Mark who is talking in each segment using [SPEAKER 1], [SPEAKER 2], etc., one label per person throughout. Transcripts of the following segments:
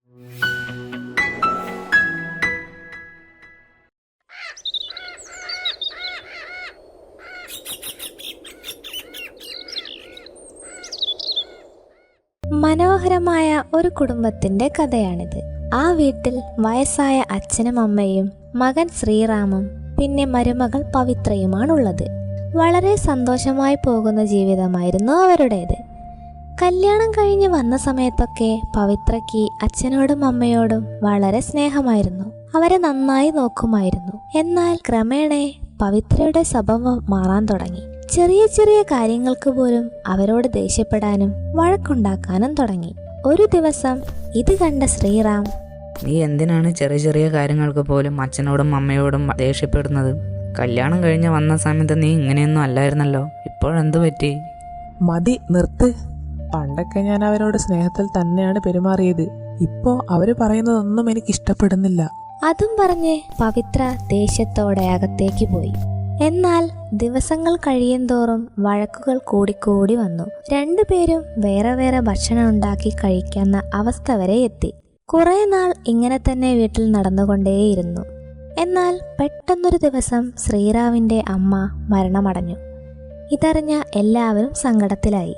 [SPEAKER 1] മനോഹരമായ ഒരു കുടുംബത്തിന്റെ കഥയാണിത്. ആ വീട്ടിൽ വയസ്സായ അച്ഛനും അമ്മയും മകൻ ശ്രീറാമും പിന്നെ മരുമകൾ പവിത്രയുമാണുള്ളത്. വളരെ സന്തോഷമായി പോകുന്ന ജീവിതമായിരുന്നു അവരുടേത്. കല്യാണം കഴിഞ്ഞ് വന്ന സമയത്തൊക്കെ പവിത്രയ്ക്ക് അച്ഛനോടും അമ്മയോടും വളരെ സ്നേഹമായിരുന്നു. അവരെ നന്നായി നോക്കുമായിരുന്നു. എന്നാൽ ക്രമേണ പവിത്രയുടെ സ്വഭാവം മാറാൻ തുടങ്ങി. ചെറിയ ചെറിയ കാര്യങ്ങൾക്ക് പോലും അവരോട് ദേഷ്യപ്പെടാനും വഴക്കുണ്ടാക്കാനും തുടങ്ങി. ഒരു ദിവസം ഇത് കണ്ട ശ്രീറാം,
[SPEAKER 2] നീ എന്തിനാണ് ചെറിയ ചെറിയ കാര്യങ്ങൾക്ക് പോലും അച്ഛനോടും അമ്മയോടും ദേഷ്യപ്പെടുന്നത്? കല്യാണം കഴിഞ്ഞ് വന്ന സമയത്ത് നീ ഇങ്ങനെയൊന്നും അല്ലായിരുന്നല്ലോ, ഇപ്പോഴെന്തു പറ്റി?
[SPEAKER 3] മതി, നിർത്ത്. പണ്ടൊക്കെ ഞാൻ അവരോട് സ്നേഹത്തിൽ തന്നെയാണ് പെരുമാറിയത്. ഇപ്പോ അവര് പറയുന്നതൊന്നും എനിക്ക് ഇഷ്ടപ്പെടുന്നില്ല.
[SPEAKER 1] അതും പറഞ്ഞ് പവിത്ര ദേഷ്യത്തോടെ അകത്തേക്ക് പോയി. എന്നാൽ ദിവസങ്ങൾ കഴിയുന്തോറും വഴക്കുകൾ കൂടിക്കൂടി വന്നു. രണ്ടുപേരും വേറെ വേറെ ഭക്ഷണം ഉണ്ടാക്കി കഴിക്കുന്ന അവസ്ഥ വരെ എത്തി. കുറെ നാൾ ഇങ്ങനെ തന്നെ വീട്ടിൽ നടന്നുകൊണ്ടേയിരുന്നു. എന്നാൽ പെട്ടെന്നൊരു ദിവസം ശ്രീറാമിന്റെ അമ്മ മരണമടഞ്ഞു. ഇതറിഞ്ഞ എല്ലാവരും സങ്കടത്തിലായി.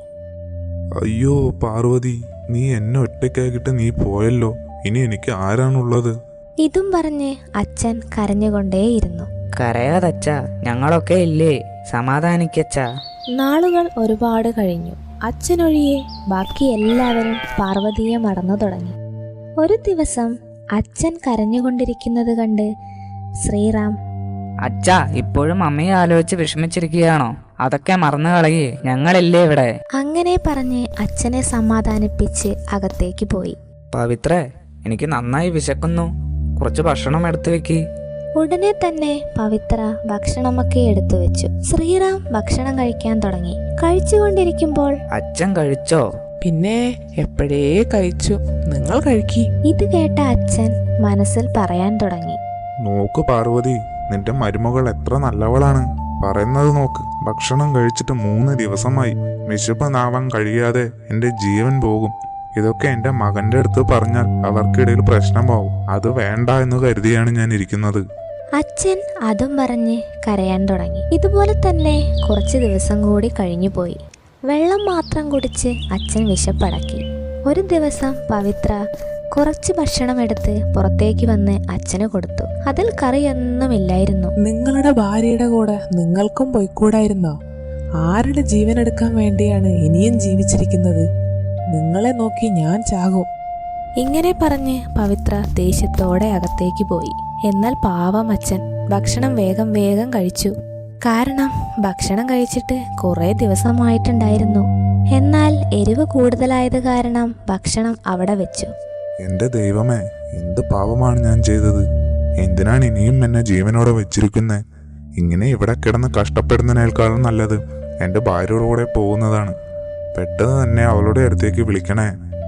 [SPEAKER 4] അയ്യോ പാർവതി, നീ എന്നെ ഒറ്റയ്ക്കാക്കിട്ട് നീ പോയല്ലോ. ഇനി എനിക്ക് ആരാണുള്ളത്?
[SPEAKER 1] ഇതും പറഞ്ഞ് അച്ഛൻ കരഞ്ഞുകൊണ്ടേയിരുന്നു.
[SPEAKER 2] കരയാതച്ചാ, ഞങ്ങളൊക്കെ ഇല്ലേ, സമാധാനിക്കച്ചാ.
[SPEAKER 1] നാളുകൾ ഒരുപാട് കഴിഞ്ഞു. അച്ഛനൊഴിയെ ബാക്കി എല്ലാവരും പാർവതിയെ മറന്നു തുടങ്ങി. ഒരു ദിവസം അച്ഛൻ കരഞ്ഞുകൊണ്ടിരിക്കുന്നത് കണ്ട് ശ്രീറാം,
[SPEAKER 2] അച്ഛാ, ഇപ്പോഴും അമ്മയെ ആലോചിച്ച് വിഷമിച്ചിരിക്കുകയാണോ? അതൊക്കെ മറന്നു കളയേ, ഞങ്ങളില്ലേ ഇവിടെ.
[SPEAKER 1] അങ്ങനെ പറഞ്ഞ് അച്ഛനെ സമാധാനിപ്പിച്ച് അകത്തേക്ക് പോയി.
[SPEAKER 2] പവിത്രേ, എനിക്ക് നന്നായി വിശക്കുന്നു, കുറച്ച് ഭക്ഷണം എടുത്തു വെക്ക്.
[SPEAKER 1] ഉടനെ തന്നെ പവിത്ര ഭക്ഷണമൊക്കെ എടുത്തു വെച്ചു. ശ്രീറാം ഭക്ഷണം കഴിക്കാൻ തുടങ്ങി. കഴിച്ചുകൊണ്ടിരിക്കുമ്പോൾ,
[SPEAKER 2] അച്ഛൻ കഴിച്ചോ?
[SPEAKER 3] പിന്നെ എപ്പോഴേ കഴിച്ചു, നിങ്ങൾ കഴിക്കി.
[SPEAKER 1] ഇത് കേട്ട അച്ഛൻ മനസ്സിൽ പറയാൻ തുടങ്ങി,
[SPEAKER 4] നോക്ക് പാർവതി, നിന്റെ മരുമകൾ എത്ര നല്ലവളാണ്. പറയുന്നത് നോക്ക്. ഭക്ഷണം കഴിച്ചിട്ട് 3 ദിവസമായി. വിശപ്പ് നാവാൻ കഴിയാതെ എന്റെ ജീവൻ പോകും. ഇതൊക്കെ എന്റെ മകന്റെ അടുത്ത് പറഞ്ഞാൽ അവർക്കിടയിൽ പ്രശ്നമാവും. അത് വേണ്ട എന്ന് കരുതിയാണ് ഞാൻ ഇരിക്കുന്നത്.
[SPEAKER 1] അച്ഛൻ അതും പറഞ്ഞ് കരയാൻ തുടങ്ങി. ഇതുപോലെ തന്നെ കുറച്ച് ദിവസം കൂടി കഴിഞ്ഞുപോയി. വെള്ളം മാത്രം കുടിച്ച് അച്ഛൻ വിശപ്പടക്കി. ഒരു ദിവസം പവിത്ര കുറച്ച് ഭക്ഷണം എടുത്ത് പുറത്തേക്ക് വന്ന് അച്ഛന് കൊടുത്തു. അതിൽ കറിയൊന്നുമില്ലായിരുന്നു.
[SPEAKER 3] നിങ്ങളുടെ ഭാര്യയുടെ കൂടെ നിങ്ങൾക്കും പോയിക്കൂടായിരുന്നോ? ആരുടെ ജീവൻ എടുക്കാൻ വേണ്ടിയാണ് ഇനിയും ജീവിച്ചിരിക്കുന്നത്? നിങ്ങളെ നോക്കി ഞാൻ ചാകും.
[SPEAKER 1] ഇങ്ങനെ പറഞ്ഞ് പവിത്ര ദേഷ്യത്തോടെ അകത്തേക്ക് പോയി. എന്നാൽ പാവം അച്ഛൻ ഭക്ഷണം വേഗം വേഗം കഴിച്ചു. കാരണം ഭക്ഷണം കഴിച്ചിട്ട് കുറെ ദിവസമായിട്ടുണ്ടായിരുന്നു. എന്നാൽ എരിവ് കൂടുതലായത് കാരണം ഭക്ഷണം അവിടെ വെച്ചു.
[SPEAKER 4] എന്റെ ദൈവമേ, എന്ത് പാപമാണ് ഞാൻ ചെയ്തത്? എന്തിനാണ് ഇനിയും എന്നെ ജീവനോടെ വെച്ചിരിക്കുന്നേ? ഇങ്ങനെ ഇവിടെ കിടന്ന് കഷ്ടപ്പെടുന്നതിനേക്കാളും നല്ലത് എന്റെ ഭാര്യയുടെ കൂടെ പോകുന്നതാണ്. പെട്ടെന്ന് തന്നെ അവളുടെ അടുത്തേക്ക് വിളിക്കണേ.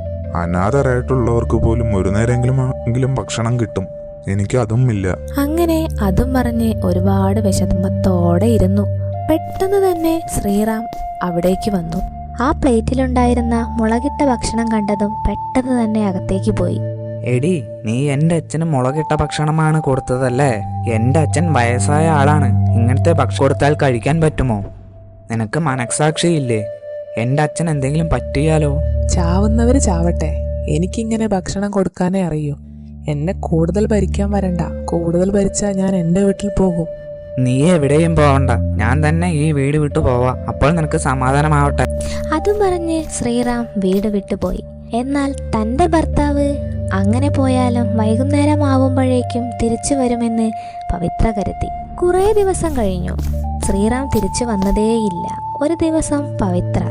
[SPEAKER 4] അനാഥരായിട്ടുള്ളവർക്ക് പോലും ഒരു നേരമെങ്കിലും ഭക്ഷണം കിട്ടും. എനിക്ക് അതും ഇല്ല.
[SPEAKER 1] അങ്ങനെ അതും പറഞ്ഞ് ഒരുപാട് വിഷമത്തോടെ ഇരുന്നു. പെട്ടെന്ന് തന്നെ ശ്രീറാം അവിടേക്ക് വന്നു. ആ പ്ലേറ്റിലുണ്ടായിരുന്ന മുളകിട്ട ഭക്ഷണം കണ്ടതും പെട്ടെന്ന് തന്നെ അകത്തേക്ക് പോയി.
[SPEAKER 2] എടി, നീ എന്റെ അച്ഛന് മുളകിട്ട ഭക്ഷണമാണ് കൊടുത്തതല്ലേ? എന്റെ അച്ഛൻ വയസ്സായ ആളാണ്. ഇങ്ങനത്തെ ഭക്ഷണം കൊടുത്താൽ കഴിക്കാൻ പറ്റുമോ? നിനക്ക് മനസാക്ഷിയില്ലേ? എന്റെ അച്ഛൻ എന്തെങ്കിലും പറ്റിയാലോ?
[SPEAKER 3] ചാവുന്നവര് ചാവട്ടെ, എനിക്കിങ്ങനെ ഭക്ഷണം കൊടുക്കാനേ അറിയൂ. എന്നെ കൂടുതൽ ഭരിക്കാൻ വരണ്ട. കൂടുതൽ ഭരിച്ചാൽ ഞാൻ എൻ്റെ വീട്ടിൽ പോകും.
[SPEAKER 2] നീ എവിടെയും പോവണ്ട, ഞാൻ തന്നെ ഈ വീട് വിട്ടു പോവാ. അപ്പോൾ നിനക്ക് സമാധാനമാവട്ടെ.
[SPEAKER 1] അതും പറഞ്ഞ് ശ്രീറാം വീട് വിട്ടുപോയി. എന്നാൽ തൻ്റെ ഭർത്താവ് അങ്ങനെ പോയാലും വൈകുന്നേരം ആവുമ്പോഴേക്കും തിരിച്ചു വരുമെന്ന് പവിത്ര കരുതി. കുറേ ദിവസം കഴിഞ്ഞു. ശ്രീറാം തിരിച്ചു വന്നതേയില്ല. ഒരു ദിവസം പവിത്ര,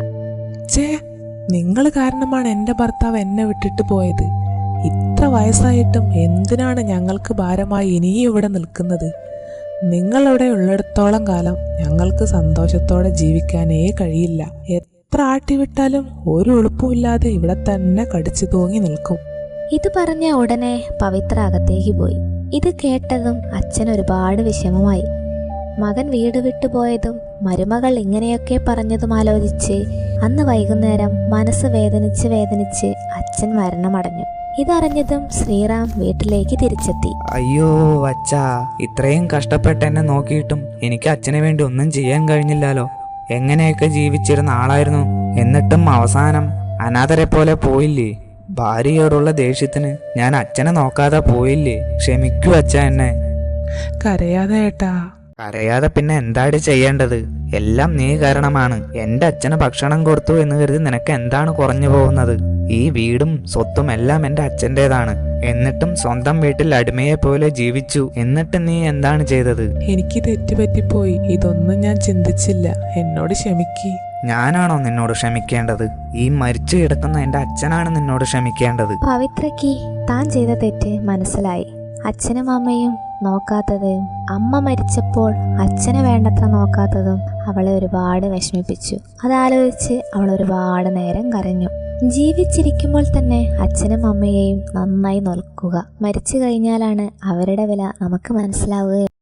[SPEAKER 3] നിങ്ങൾ കാരണമാണ് എൻ്റെ ഭർത്താവ് എന്നെ വിട്ടിട്ട് പോയത്. ഇത്ര വയസ്സായിട്ടും എന്തിനാണ് ഞങ്ങൾക്ക് ഭാരമായി ഇനിയും ഇവിടെ നിൽക്കുന്നത്? നിങ്ങളിവിടെ ഉള്ളിടത്തോളം കാലം ഞങ്ങൾക്ക് സന്തോഷത്തോടെ ജീവിക്കാനേ കഴിയില്ല. എത്ര ആട്ടിവിട്ടാലും ഒരു എളുപ്പമില്ലാതെ ഇവിടെ തന്നെ കടിച്ചു തൂങ്ങി നിൽക്കും.
[SPEAKER 1] ഇത് പറഞ്ഞ ഉടനെ പവിത്ര അകത്തേക്ക് പോയി. ഇത് കേട്ടതും അച്ഛൻ ഒരുപാട് വിഷമമായി. മകൻ വീട് വിട്ടുപോയതും മരുമകൾ ഇങ്ങനെയൊക്കെ പറഞ്ഞതും ആലോചിച്ച് അന്ന് വൈകുന്നേരം മനസ്സ് വേദനിച്ച് അച്ഛൻ മരണമടഞ്ഞു. ഇതറിഞ്ഞതും ശ്രീറാം വീട്ടിലേക്ക് തിരിച്ചെത്തി.
[SPEAKER 2] അയ്യോ അച്ഛാ, ഇത്രയും കഷ്ടപ്പെട്ട് എന്നെ നോക്കിയിട്ടും എനിക്ക് അച്ഛന് വേണ്ടി ഒന്നും ചെയ്യാൻ കഴിഞ്ഞില്ലല്ലോ. എങ്ങനെയൊക്കെ ജീവിച്ചിരുന്ന ആളായിരുന്നു, എന്നിട്ടും അവസാനം അനാഥരെ പോലെ പോയില്ലേ. ഭാര്യയോടുള്ള ദേഷ്യത്തിന് ഞാൻ അച്ഛനെ നോക്കാതെ പോയില്ലേ. ക്ഷമിക്കൂ അച്ഛ എന്നെ.
[SPEAKER 3] കരയാതെ ഏട്ടാ.
[SPEAKER 2] അറിയാതെ പിന്നെ എന്താണ് ചെയ്യേണ്ടത്? എല്ലാം നീ കാരണമാണ്. എന്റെ അച്ഛന് ഭക്ഷണം കൊടുത്തു എന്ന് കരുതി നിനക്ക് എന്താണ് കുറഞ്ഞു പോകുന്നത്? ഈ വീടും സ്വത്തും എല്ലാം എന്റെ അച്ഛൻ്റെതാണ്. എന്നിട്ടും സ്വന്തം വീട്ടിൽ അടിമയെ പോലെ ജീവിച്ചു. എന്നിട്ട് നീ എന്താണ് ചെയ്തത്?
[SPEAKER 3] എനിക്ക് തെറ്റുപറ്റിപ്പോയി. ഇതൊന്നും ഞാൻ ചിന്തിച്ചില്ല. എന്നോട് ക്ഷമിക്ക്.
[SPEAKER 2] ഞാനാണോ നിന്നോട് ക്ഷമിക്കേണ്ടത്? ഈ മരിച്ചു കിടക്കുന്ന എന്റെ അച്ഛനാണ് നിന്നോട് ക്ഷമിക്കേണ്ടത്.
[SPEAKER 1] പവിത്രയ്ക്ക് താൻ ചെയ്ത തെറ്റ് മനസ്സിലായി. അച്ഛനും അമ്മയും നോക്കാത്തതും അമ്മ മരിച്ചപ്പോൾ അച്ഛനെ വേണ്ടത്ര നോക്കാത്തതും അവളെ ഒരുപാട് വിഷമിപ്പിച്ചു. അതാലോചിച്ച് അവൾ ഒരുപാട് നേരം കരഞ്ഞു. ജീവിച്ചിരിക്കുമ്പോൾ തന്നെ അച്ഛനും അമ്മയെയും നന്നായി നോക്കുക. മരിച്ചു കഴിഞ്ഞാലാണ് അവരുടെ വില നമുക്ക് മനസ്സിലാവുക.